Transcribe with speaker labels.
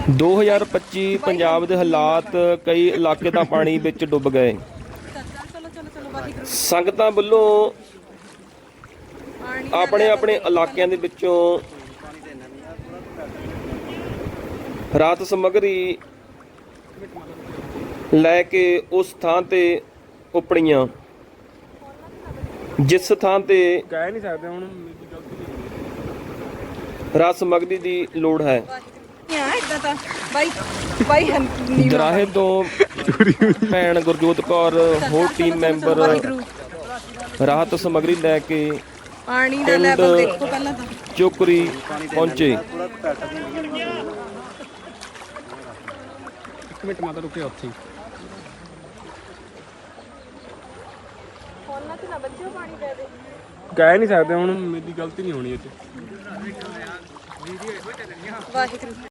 Speaker 1: 2025 ਪੰਜਾਬ ਦੇ ਹਾਲਾਤ ਕਈ ਇਲਾਕੇ ਤਾਂ ਪਾਣੀ ਵਿੱਚ ਡੁੱਬ ਗਏ। ਸੰਗਤਾਂ ਵੱਲੋਂ ਆਪਣੇ ਆਪਣੇ ਇਲਾਕਿਆਂ ਦੇ ਵਿੱਚੋਂ ਰਾਹਤ ਸਮੱਗਰੀ ਲੈ ਕੇ ਉਸ ਥਾਂ ਤੇ ਉਪੜੀਆਂ ਜਿਸ ਥਾਂ ਤੇ
Speaker 2: ਕਹਿ ਨਹੀਂ ਸਕਦੇ ਹੁਣ
Speaker 1: ਰਾਹਤ ਸਮੱਗਰੀ ਦੀ ਲੋੜ ਹੈ। ਦਰਾਹੇ ਤੋਂ ਭੈਣ ਗੁਰਜੋਤ ਕੌਰ ਹੋਰ ਟੀਮ ਮੈਂਬਰ ਰਾਹਤ ਸਮੱਗਰੀ ਲੈ ਕੇ
Speaker 3: ਪਾਣੀ ਦਾ ਲੈਵਲ ਦੇਖੋ ਪਹਿਲਾਂ ਤਾਂ
Speaker 1: ਚੋਕਰੀ ਪਹੁੰਚੇ।
Speaker 2: ਇੱਕ ਮਿੰਟ ਮਾਤਾ ਰੁਕੇ ਉੱਥੇ ਕਹਿ ਨਹੀਂ ਸਕਦੇ ਹੁਣ ਮੇਰੀ ਗਲਤੀ ਨਹੀਂ ਹੋਣੀ ਇੱਥੇ।
Speaker 3: ਵਾਹਿਗੁਰੂ।